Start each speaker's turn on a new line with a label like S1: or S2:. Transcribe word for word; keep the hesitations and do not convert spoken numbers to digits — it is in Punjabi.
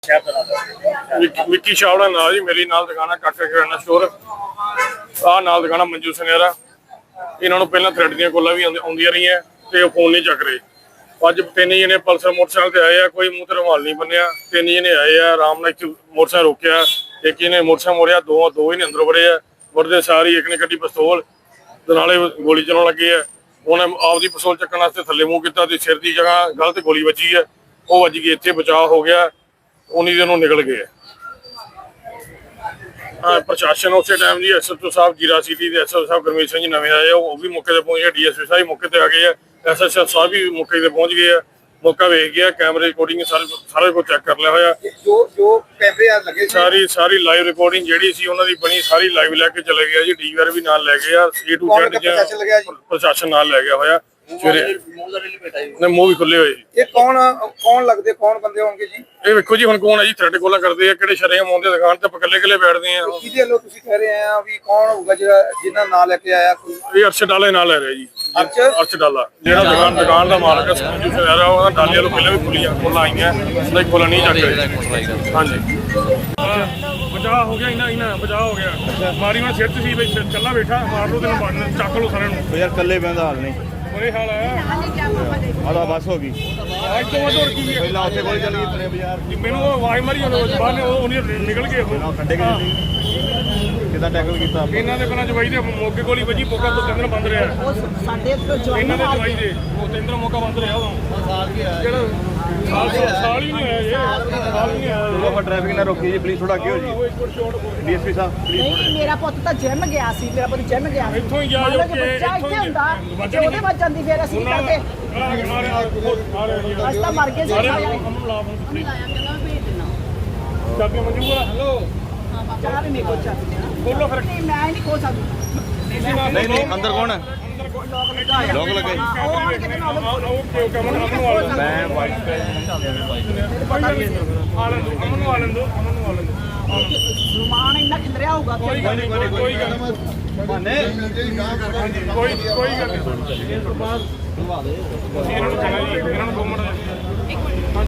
S1: ਵਿੱਕੀ ਛਾਵੜਾ ਨਾਲ ਜੀ ਮੇਰੀ ਨਾਲ ਦੁਕਾਨ ਕਾਕਾ ਕਿਰਾਣਾ ਸਟੋਰ ਆ ਨਾਲ ਦੁਕਾਨ ਮੰਜੂ ਸੁਨਿਆਰਾ। ਇਹਨਾਂ ਨੂੰ ਪਹਿਲਾਂ ਥ੍ਰੈਡ ਦੀਆਂ ਕੋਲਾਂ ਵੀ ਆਉਂਦੀਆਂ ਰਹੀਆਂ ਤੇ ਉਹ ਫੋਨ ਨਹੀਂ ਚੱਕ ਰਹੇ। ਅੱਜ ਤਿੰਨ ਜਣੇ ਪਲਸਰ ਮੋਟਰਸਾਈਕਲ ਤੇ ਆਏ ਆ, ਕੋਈ ਮੂੰਹ ਤੇ ਰੁਮਾਲ ਨਹੀਂ ਬੰਨਿਆ। ਤਿੰਨ ਜਣੇ ਆਏ ਆ, ਆਰਾਮ ਨਾਲ ਮੋਟਰਸਾਈਕਲ ਰੋਕਿਆ, ਇੱਕ ਇਹਨੇ ਮੋਟਰਸਾਈਕਲ ਮੋੜਿਆ, ਦੋ ਦੋ ਹੀ ਅੰਦਰ ਵੜੇ ਆ। ਵੜਦੇ ਸਾਰੀ ਇੱਕ ਨੇ ਕੱਢੀ ਪਿਸਤੌਲ ਤੇ ਨਾਲੇ ਗੋਲੀ ਚਲਾਉਣ ਲੱਗੇ ਆ। ਉਹਨੇ ਆਪਦੀ ਪਿਸਤੌਲ ਚੱਕਣ ਵਾਸਤੇ ਥੱਲੇ ਮੂੰਹ ਕੀਤਾ ਤੇ ਸਿਰ ਦੀ ਜਗ੍ਹਾ ਗਲਤ ਗੋਲੀ ਵੱਜੀ ਹੈ, ਉਹ ਵੱਜ ਗਈ, ਇੱਥੇ ਬਚਾਅ ਹੋ ਗਿਆ। ਉਨੀ ਦਿਨ ਉਹ ਨਿਕਲ ਗਏ। ਹਾਂ, ਪ੍ਰਸ਼ਾਸਨ ਉਸੇ time G S H O ਸਾਹਿਬ ਜੀਰਾ ਸਿਟੀ ਦੇ ਐਸ ਐਚ ਓ ਸਾਹਿਬ ਗੁਰਮੀਤ ਸਿੰਘ ਜੀ ਨਵੇਂ ਆਏ, ਉਹ ਵੀ ਮੌਕੇ ਤੇ ਪਹੁੰਚ ਗਏ। ਡੀ ਐਸ ਪੀ ਸਾਹਿਬ ਮੌਕੇ ਤੇ ਆ ਗਏ ਆ, ਐਸ ਐਚ ਓ ਸਾਹਿਬ ਵੀ ਮੌਕੇ ਤੇ ਪਹੁੰਚ ਗਏ ਆ। ਮੌਕਾ ਵੇਖ ਗਿਆ, ਕੈਮਰੇ ਰਿਕਾਰਡਿੰਗ ਸਾਰੇ ਸਾਰਾ ਕੁਝ ਚੈੱਕ ਕਰ ਲਿਆ ਹੋਇਆ।
S2: ਜੋ ਜੋ ਕੈਮਰੇ ਆ ਲੱਗੇ
S1: ਸਾਰੀ ਸਾਰੀ ਲਾਈਵ ਰਿਕਾਰਡਿੰਗ ਜਿਹੜੀ ਸੀ ਉਹਨਾਂ ਦੀ ਬਣੀ, ਸਾਰੀ ਲਾਈਵ ਲੈ ਕੇ ਚਲੇ ਗਿਆ ਜੀ। ਡੀ ਆਰ ਵੀ ਨਾਲ ਲੈ ਗਏ ਆ, ਏ ਟੂ ਜ਼ੈਡ ਪ੍ਰਸ਼ਾਸਨ ਨਾਲ ਲੈ ਗਿਆ ਹੋਇਆ। ਸਵੇਰੇ ਨੇ ਮੂੰਹ ਵੀ ਖੁੱਲੇ ਹੋਏ।
S2: ਇਹ ਕੌਣ ਕੌਣ ਲੱਗਦੇ ਕੌਣ ਬੰਦੇ ਹੋਣਗੇ ਜੀ?
S1: ਇਹ ਵੇਖੋ ਜੀ, ਹੁਣ ਕੌਣ ਹੈ ਜੀ ਥ੍ਰੈਡ ਕੋਲਾਂ ਕਰਦੇ ਆ, ਕਿਹੜੇ ਸ਼ਰੇਆਮ ਆਉਂਦੇ ਦੁਕਾਨ ਤੇ ਇਕੱਲੇ ਇਕੱਲੇ ਬੈਠਦੇ ਆ।
S2: ਕਿਹਦੇ ਵੱਲੋਂ ਤੁਸੀਂ ਕਹਿ ਰਹੇ ਆ ਵੀ ਕੌਣ ਹੋਊਗਾ ਜਿਹੜਾ ਜਿਹਨਾਂ ਨਾਂ ਲੈ ਕੇ ਆਇਆ? ਕੋਈ
S1: ਇਹ ਅਰਸ਼ ਡਾਲੇ ਨਾਲ ਲੈ ਰਿਹਾ ਜੀ।
S2: ਅਰਸ਼
S1: ਅਰਸ਼ ਡਾਲਾ ਜਿਹੜਾ ਦੁਕਾਨ ਦੁਕਾਨ ਦਾ ਮਾਲਕ ਹੈ ਸੰਜੂ ਸੁਨਿਆਰਾ, ਉਹਦਾ ਡਾਲੇ ਵੱਲੋਂ ਪਹਿਲਾਂ ਵੀ ਖੁੱਲੀਆਂ ਕੋਲਾਂ ਆਈਆਂ, ਉਹਦਾ ਕੋਲਾਂ ਨਹੀਂ ਚੱਕ ਰਹੇ। ਹਾਂਜੀ, ਬਚਾਅ ਹੋ ਗਿਆ, ਇਹਨਾਂ ਇਹਨਾਂ ਬਚਾਅ ਹੋ ਗਿਆ। ਮਾਰੀ ਮੈਂ ਸਿਰ ਚ ਸੀ ਬਈ ਕੱਲਾ ਬੈਠਾ, ਮਾਰ ਲਓ ਤੈਨੂੰ ਮਾਰਨ, ਚੱਕ ਲਓ ਸਾਰਿਆਂ ਨੂੰ।
S3: ਯਾਰ ਕੱਲੇ ਬੈਂਦਾ ਹਾਲ ਨਹੀਂ
S1: ਬੁਰੇ ਹਾਲ ਆ।
S3: ਆਦਾ ਬਸ ਹੋ ਗਈ।
S1: ਅੱਜ ਤੋਂ ਵੱਧ ਹੋਰ ਕੀ ਹੈ?
S3: ਪਹਿਲਾਂ ਉੱਥੇ ਕੋਲ ਚੱਲ ਗਈ ਤੇਰੇ ਬਾਜ਼ਾਰ
S1: ਮੈਨੂੰ ਉਹ ਆਵਾਜ਼ ਮਾਰੀ ਉਹਨੇ ਬਾਹਰ ਨੇ, ਉਹ ਨਹੀਂ ਨਿਕਲ ਗਏ ਉਹ
S3: ਕੱਢੇ ਗਏ ਕਿਦਾਂ ਟੈਕਲ ਕੀਤਾ
S1: ਇਹਨਾਂ ਦੇ ਪਹਿਲਾਂ ਜਵਾਈ ਦੇ ਮੌਕੇ ਕੋਲ ਹੀ ਵੱਜੀ। ਮੌਕਾ ਤੋਂ ਤਿੰਨ ਦਿਨ ਬੰਦ ਰਿਹਾ
S4: ਸਾਡੇ
S1: ਇਹਨਾਂ ਦੇ ਜਵਾਈ ਦੇ, ਉਹ ਤਿੰਨ ਦਿਨ ਮੌਕਾ ਬੰਦ ਰਿਹਾ ਉਦੋਂ। ਜਿਹੜਾ ਸਾਲ ਸਾਲ ਹੀ ਨਹੀਂ ਹੋਇਆ ਜੀ, ਸਾਲ ਹੀ ਨਹੀਂ ਆਇਆ।
S3: ਆਪਾਂ ਟ੍ਰੈਫਿਕ ਨਾ ਰੋਕੀ ਜੀ ਪਲੀਜ਼, ਥੋੜਾ ਅੱਗੇ ਹੋ ਜੀ। ਡੀ ਐਸ ਪੀ ਸਾਹਿਬ
S4: ਨਹੀਂ, ਮੇਰਾ ਪੁੱਤ ਤਾਂ ਜਿਮ ਗਿਆ ਸੀ, ਮੇਰਾ ਪੁੱਤ ਜਿਮ ਗਿਆ ਸੀ।
S1: ਇੱਥੋਂ ਹੀ ਗਿਆ ਜੋ ਕਿ
S4: ਬੱਚਾ ਇੱਥੇ ਹੁੰਦਾ, ਜੇ ਉਹਦੇ ਵੱਜਣ ਦੀ ਫੇਰ ਅਸੀਂ ਕਰਦੇ ਅਸੀਂ ਤਾਂ ਮਰ ਗਏ ਸੀ।
S1: ਚਾਬੀਆਂ ਮਨਜ਼ੂਰ ਆ? ਹੈਲੋ,
S4: ਚਾਹ ਵੀ ਮੇਰੇ ਕੋਲ ਚਾਬੀ ਆ।
S1: ਖੋਲੋ ਫਿਰ।
S4: ਨਹੀਂ, ਮੈਂ ਨਹੀਂ ਖੋਲ ਸਕਦੀ।
S3: ਨਹੀਂ ਨਹੀਂ ਅੰਦਰ ਕੌਣ ਹੈ? ਲੋਕ ਲੱਗੇ
S4: ਉਹ ਆਣ ਕੇ ਨਾ
S1: ਓਕੇ ਓਕੇ, ਅਮਨ ਅਮਨ ਨੂੰ ਆ ਲੈਂਦੋ।
S3: ਮੈਂ ਵਾਈਟ ਪੈ
S1: ਆ ਲੈਂਦੋ, ਅਮਨ ਨੂੰ ਆ ਲੈਂਦੋ, ਅਮਨ ਨੂੰ ਆ ਲੈਂਦੋ।
S4: ਸਲਮਾਨ ਇੰਨਾ ਖਿੰਦਰਿਆ ਹੋਊਗਾ ਕਿ
S1: ਕੋਈ ਗੱਲ ਨਹੀਂ, ਕੋਈ ਗੱਲ ਨਹੀਂ,
S3: ਬਾਨੇ
S1: ਕੋਈ ਕੋਈ ਗੱਲ ਨਹੀਂ। ਤੁਸੀਂ ਇਹਨਾਂ ਨੂੰ ਕਹਿਣਾ ਜੀ, ਇਹਨਾਂ ਨੂੰ ਦੋ ਮਿੰਟ